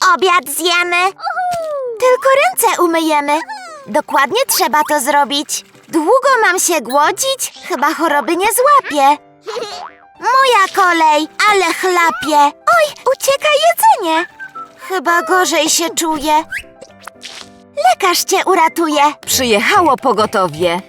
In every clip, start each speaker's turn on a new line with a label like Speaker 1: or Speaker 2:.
Speaker 1: obiad zjemy. Tylko ręce umyjemy. Dokładnie trzeba to zrobić. Długo mam się głodzić? Chyba choroby nie złapię. Moja kolej, ale chlapie. Oj, ucieka jedzenie. Chyba gorzej się czuję. Lekarz cię uratuje.
Speaker 2: Przyjechało pogotowie.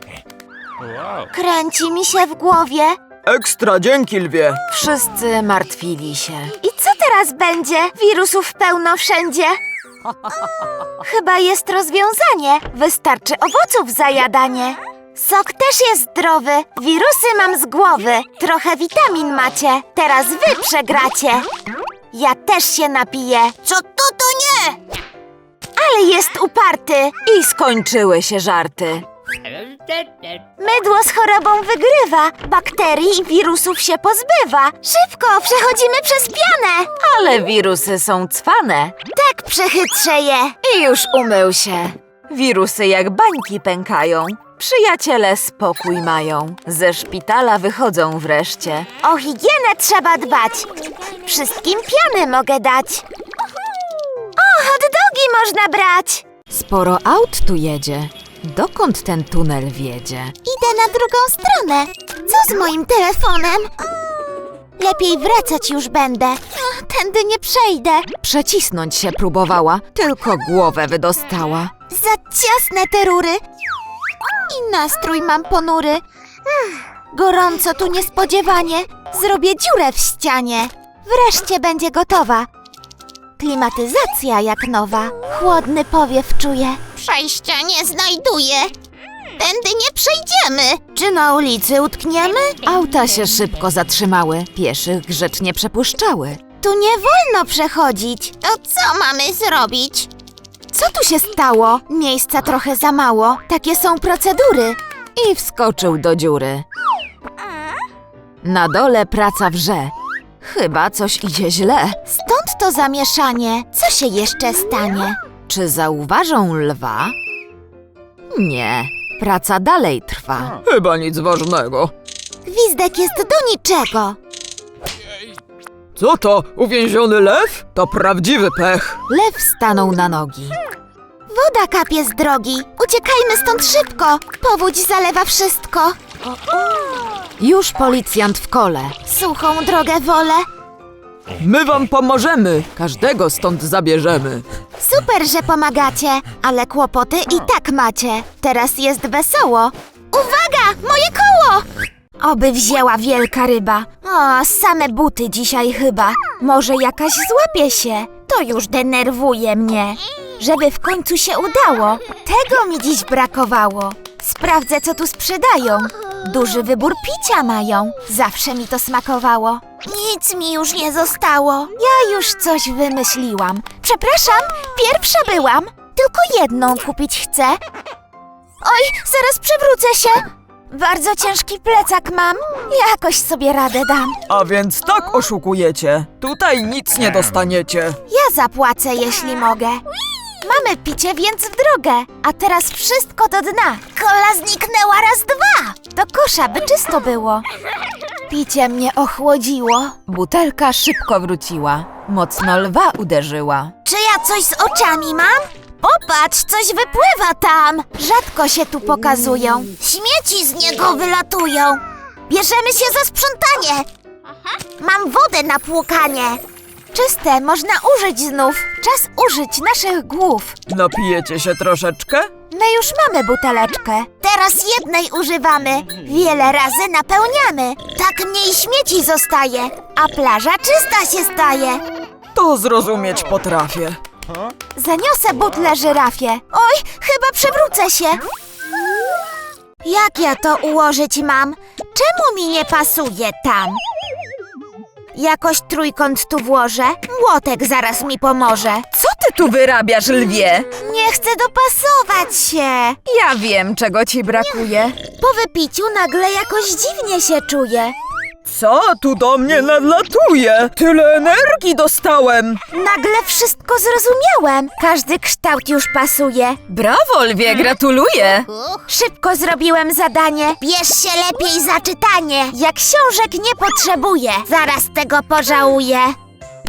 Speaker 1: Kręci mi się w głowie.
Speaker 3: Ekstra, dzięki lwie.
Speaker 2: Wszyscy martwili się.
Speaker 1: I co teraz będzie? Wirusów pełno wszędzie. Chyba jest rozwiązanie. Wystarczy owoców za jadanie. Sok też jest zdrowy. Wirusy mam z głowy. Trochę witamin macie. Teraz wy przegracie. Ja też się napiję. Co to nie? Ale jest uparty.
Speaker 2: I skończyły się żarty.
Speaker 1: Mydło z chorobą wygrywa. Bakterii i wirusów się pozbywa. Szybko, przechodzimy przez pianę.
Speaker 2: Ale wirusy są cwane.
Speaker 1: Tak przechytrzę je.
Speaker 2: I już umył się. Wirusy jak bańki pękają. Przyjaciele spokój mają. Ze szpitala wychodzą wreszcie.
Speaker 1: O higienę trzeba dbać. Wszystkim piany mogę dać. O, hot dogi można brać.
Speaker 2: Sporo aut tu jedzie. Dokąd ten tunel wiedzie?
Speaker 1: Idę na drugą stronę. Co z moim telefonem? Lepiej wracać już będę. Tędy nie przejdę.
Speaker 2: Przecisnąć się próbowała, tylko głowę wydostała.
Speaker 1: Za ciasne te rury. I nastrój mam ponury. Gorąco tu niespodziewanie. Zrobię dziurę w ścianie. Wreszcie będzie gotowa. Klimatyzacja jak nowa. Chłodny powiew czuję. Przejścia nie znajduję. Tędy nie przejdziemy. Czy na ulicy utkniemy?
Speaker 2: Auta się szybko zatrzymały, pieszych grzecznie przepuszczały.
Speaker 1: Tu nie wolno przechodzić. To co mamy zrobić? Co tu się stało? Miejsca trochę za mało. Takie są procedury.
Speaker 2: I wskoczył do dziury. Na dole praca wrze. Chyba coś idzie źle.
Speaker 1: Stąd to zamieszanie. Co się jeszcze stanie?
Speaker 2: Czy zauważą lwa? Nie, praca dalej trwa.
Speaker 3: Chyba nic ważnego.
Speaker 1: Gwizdek jest do niczego.
Speaker 3: Co to? Uwięziony lew? To prawdziwy pech.
Speaker 2: Lew stanął na nogi.
Speaker 1: Woda kapie z drogi. Uciekajmy stąd szybko. Powódź zalewa wszystko.
Speaker 2: Już policjant w kole.
Speaker 1: Suchą drogę wolę.
Speaker 3: My wam pomożemy. Każdego stąd zabierzemy.
Speaker 1: Super, że pomagacie, ale kłopoty i tak macie. Teraz jest wesoło. Uwaga, moje koło! Oby wzięła wielka ryba. O, same buty dzisiaj chyba. Może jakaś złapie się. To już denerwuje mnie. Żeby w końcu się udało. Tego mi dziś brakowało. Sprawdzę, co tu sprzedają. Duży wybór picia mają. Zawsze mi to smakowało. Nic mi już nie zostało. Ja już coś wymyśliłam. Przepraszam, pierwsza byłam. Tylko jedną kupić chcę. Oj, zaraz przewrócę się. Bardzo ciężki plecak mam. Jakoś sobie radę dam.
Speaker 3: A więc tak oszukujecie. Tutaj nic nie dostaniecie.
Speaker 1: Ja zapłacę, jeśli mogę. Mamy picie, więc w drogę. A teraz wszystko do dna. Kola zniknęła raz, dwa. Do kosza, by czysto było. Picie mnie ochłodziło.
Speaker 2: Butelka szybko wróciła. Mocno lwa uderzyła.
Speaker 1: Czy ja coś z oczami mam? Popatrz, coś wypływa tam. Rzadko się tu pokazują. Śmieci z niego wylatują. Bierzemy się za sprzątanie. Mam wodę na płukanie. Czyste, można użyć znów. Czas użyć naszych głów.
Speaker 3: Napijecie się troszeczkę?
Speaker 1: My już mamy buteleczkę. Teraz jednej używamy. Wiele razy napełniamy. Tak mniej śmieci zostaje, a plaża czysta się staje.
Speaker 3: To zrozumieć potrafię.
Speaker 1: Zaniosę butlę żyrafie. Oj, chyba przewrócę się. Jak ja to ułożyć mam? Czemu mi nie pasuje tam? Jakoś trójkąt tu włożę. Młotek zaraz mi pomoże.
Speaker 2: Co ty tu wyrabiasz, lwie?
Speaker 1: Nie chcę dopasować się.
Speaker 2: Ja wiem, czego ci brakuje.
Speaker 1: Po wypiciu nagle jakoś dziwnie się czuję.
Speaker 3: Co tu do mnie nadlatuje? Tyle energii dostałem.
Speaker 1: Nagle wszystko zrozumiałem. Każdy kształt już pasuje.
Speaker 2: Brawo, lwie, gratuluję.
Speaker 1: Szybko zrobiłem zadanie. Bierz się lepiej za czytanie. Jak książek nie potrzebuję. Zaraz tego pożałuję.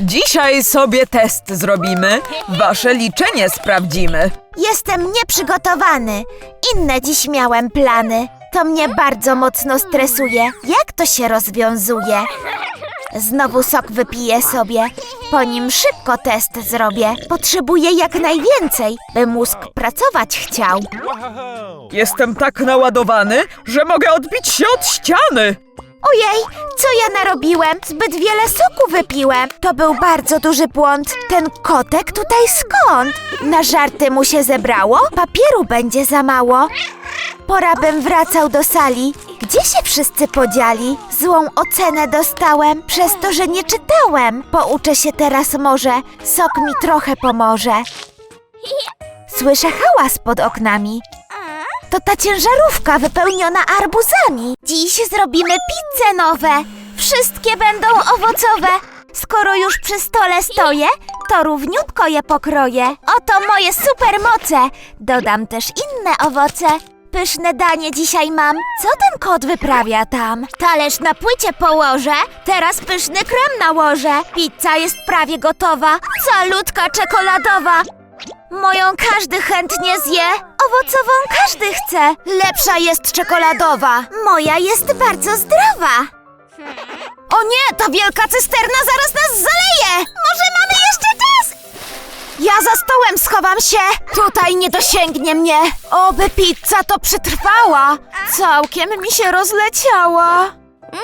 Speaker 3: Dzisiaj sobie test zrobimy. Wasze liczenie sprawdzimy.
Speaker 1: Jestem nieprzygotowany. Inne dziś miałem plany. To mnie bardzo mocno stresuje. Jak to się rozwiązuje? Znowu sok wypiję sobie. Po nim szybko test zrobię. Potrzebuję jak najwięcej, by mózg pracować chciał.
Speaker 3: Jestem tak naładowany, że mogę odbić się od ściany.
Speaker 1: Ojej, co ja narobiłem? Zbyt wiele soku wypiłem. To był bardzo duży błąd. Ten kotek tutaj skąd? Na żarty mu się zebrało? Papieru będzie za mało. Pora bym wracał do sali. Gdzie się wszyscy podzieli? Złą ocenę dostałem przez to, że nie czytałem. Pouczę się teraz może. Sok mi trochę pomoże. Słyszę hałas pod oknami. To ta ciężarówka wypełniona arbuzami. Dziś zrobimy pizze nowe. Wszystkie będą owocowe. Skoro już przy stole stoję, to równiutko je pokroję. Oto moje supermoce. Dodam też inne owoce. Pyszne danie dzisiaj mam. Co ten kot wyprawia tam? Talerz na płycie położę. Teraz pyszny krem nałożę. Pizza jest prawie gotowa. Calutka czekoladowa. Moją każdy chętnie zje. Owocową każdy chce. Lepsza jest czekoladowa. Moja jest bardzo zdrowa. O nie, ta wielka cysterna zaraz nas zaleje. Może mamy jeszcze czas? Ja za stołem schowam się. Tutaj nie dosięgnie mnie. Oby pizza to przetrwała. Całkiem mi się rozleciała.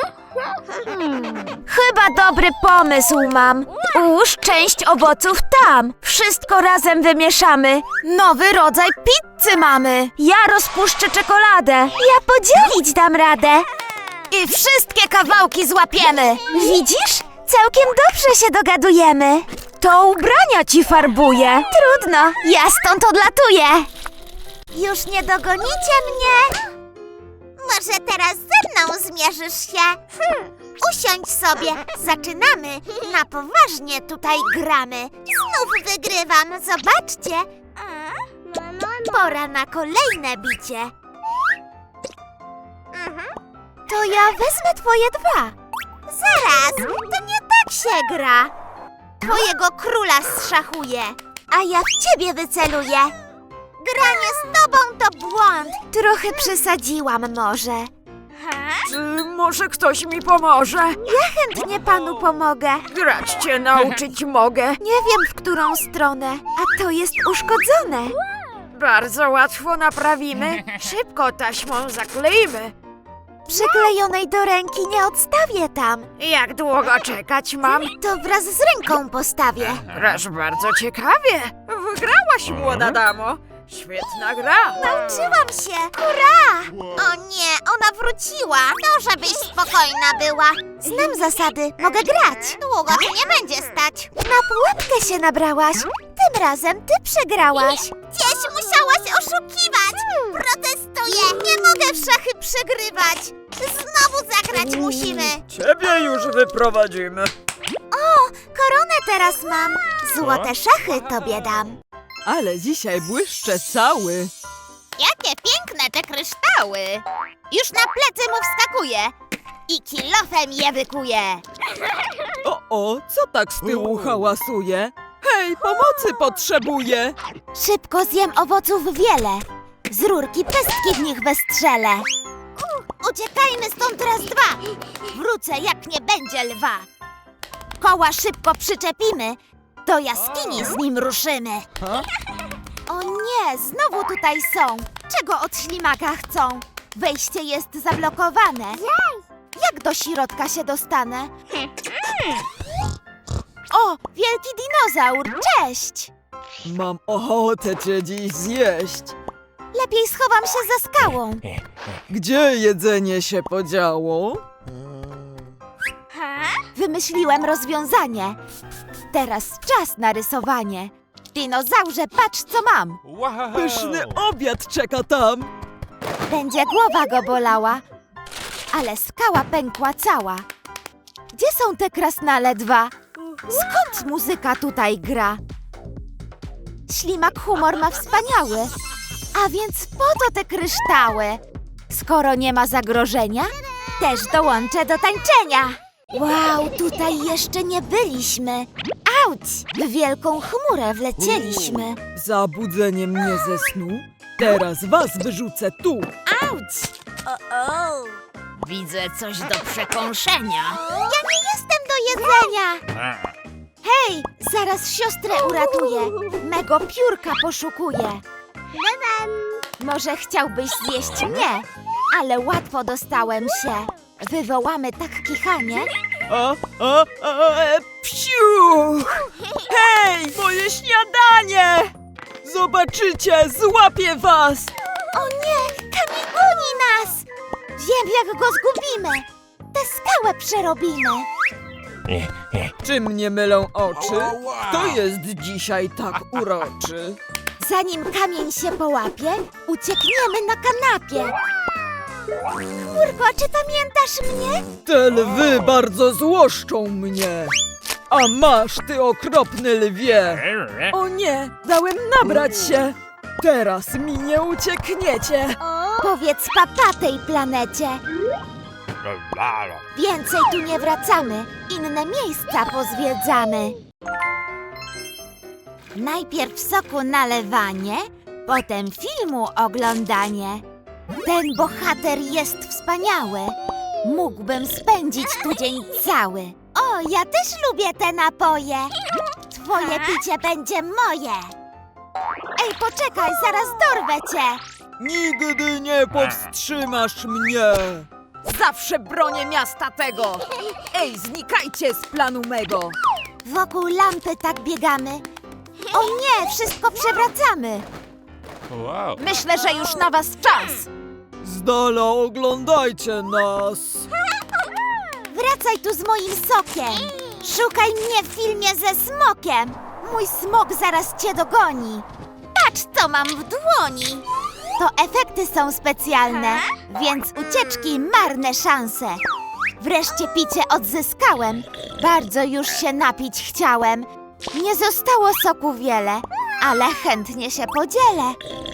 Speaker 1: Chyba dobry pomysł mam. Ułóż część owoców tam. Wszystko razem wymieszamy. Nowy rodzaj pizzy mamy. Ja rozpuszczę czekoladę. Ja podzielić dam radę. I wszystkie kawałki złapiemy. Widzisz? Całkiem dobrze się dogadujemy. To ubrania ci farbuję. Trudno, ja stąd odlatuję. Już nie dogonicie mnie. Może teraz ze mną zmierzysz się? Usiądź sobie, zaczynamy. Na poważnie tutaj gramy. Znów wygrywam, zobaczcie. Pora na kolejne bicie. To ja wezmę twoje dwa. Zaraz, to nie tak się gra. Twojego króla zszachuję, a ja w ciebie wyceluję. Granie z tobą to błąd. Trochę przesadziłam może.
Speaker 3: Czy może ktoś mi pomoże?
Speaker 1: Ja chętnie panu pomogę.
Speaker 3: Grać cię nauczyć mogę.
Speaker 1: Nie wiem, w którą stronę, a to jest uszkodzone.
Speaker 3: Bardzo łatwo naprawimy. Szybko taśmą zakleimy.
Speaker 1: Przyklejonej do ręki nie odstawię tam.
Speaker 3: Jak długo czekać mam?
Speaker 1: To wraz z ręką postawię.
Speaker 3: Grasz bardzo ciekawie. Wygrałaś, młoda damo. Świetna gra.
Speaker 1: Nauczyłam się. Hurra! O nie, ona wróciła. No, żebyś spokojna była. Znam zasady, mogę grać. Długo tu nie będzie stać. Na pułapkę się nabrałaś. Tym razem ty przegrałaś. Gdzieś musiałaś oszukiwać. Protestuję. Nie mogę w szachy przegrywać. Znowu zagrać musimy.
Speaker 3: Ciebie już wyprowadzimy.
Speaker 1: O, koronę teraz mam. Złote szachy tobie dam.
Speaker 3: Ale dzisiaj błyszczę cały.
Speaker 1: Jakie piękne te kryształy! Już na plecy mu wskakuje i kilofem je wykuje.
Speaker 3: O, co tak z tyłu hałasuje? Hej, pomocy potrzebuję.
Speaker 1: Szybko zjem owoców wiele. Z rurki pestki w nich westrzelę. Uciekajmy stąd raz dwa. Wrócę jak nie będzie lwa. Koła szybko przyczepimy. Do jaskini z nim ruszymy. O nie, znowu tutaj są. Czego od ślimaka chcą? Wejście jest zablokowane. Jak do środka się dostanę? O, wielki dinozaur, cześć!
Speaker 3: Mam ochotę cię dziś zjeść.
Speaker 1: Lepiej schowam się za skałą.
Speaker 3: Gdzie jedzenie się podziało?
Speaker 1: Wymyśliłem rozwiązanie. Teraz czas na rysowanie. Dinozaurze, patrz co mam.
Speaker 3: Pyszny obiad czeka tam.
Speaker 1: Będzie głowa go bolała, ale skała pękła cała. Gdzie są te krasnale dwa? Skąd muzyka tutaj gra? Ślimak humor ma wspaniały, a więc po to te kryształy. Skoro nie ma zagrożenia, też dołączę do tańczenia. Wow, tutaj jeszcze nie byliśmy. Auć! W wielką chmurę wlecieliśmy.
Speaker 3: Zabudzenie mnie ze snu? Teraz was wyrzucę tu.
Speaker 1: Auć!
Speaker 4: Widzę coś do przekąszenia.
Speaker 1: Ja nie jestem do jedzenia! Hej, zaraz siostrę uratuję. Mego piórka poszukuję. Może chciałbyś zjeść mnie, ale łatwo dostałem się. Wywołamy tak kichanie.
Speaker 3: Psiu! Hej, moje śniadanie! Zobaczycie, złapię was!
Speaker 1: O nie, kamień goni nas! Wiem, jak go zgubimy. Tę skałę przerobimy.
Speaker 3: Czy mnie mylą oczy? Kto jest dzisiaj tak uroczy?
Speaker 1: Zanim kamień się połapie, uciekniemy na kanapie. Kurko, czy pamiętasz mnie?
Speaker 3: Te lwy bardzo złoszczą mnie. A masz, ty okropny lwie! O nie, dałem nabrać się! Teraz mi nie uciekniecie!
Speaker 1: Powiedz papa tej planecie. Więcej tu nie wracamy. Inne miejsca pozwiedzamy. Najpierw soku nalewanie, potem filmu oglądanie. Ten bohater jest wspaniały. Mógłbym spędzić tu dzień cały. O, ja też lubię te napoje. Twoje picie będzie moje. Ej, poczekaj, zaraz dorwę cię.
Speaker 3: Nigdy nie powstrzymasz mnie!
Speaker 2: Zawsze bronię miasta tego! Ej, znikajcie z planu mego!
Speaker 1: Wokół lampy tak biegamy. O nie, wszystko przewracamy.
Speaker 2: Myślę, że już na was czas!
Speaker 3: Z dala oglądajcie nas!
Speaker 1: Wracaj tu z moim sokiem. Szukaj mnie w filmie ze smokiem. Mój smok zaraz cię dogoni. Patrz, co mam w dłoni. To efekty są specjalne, więc ucieczki marne szanse. Wreszcie picie odzyskałem. Bardzo już się napić chciałem. Nie zostało soku wiele, ale chętnie się podzielę.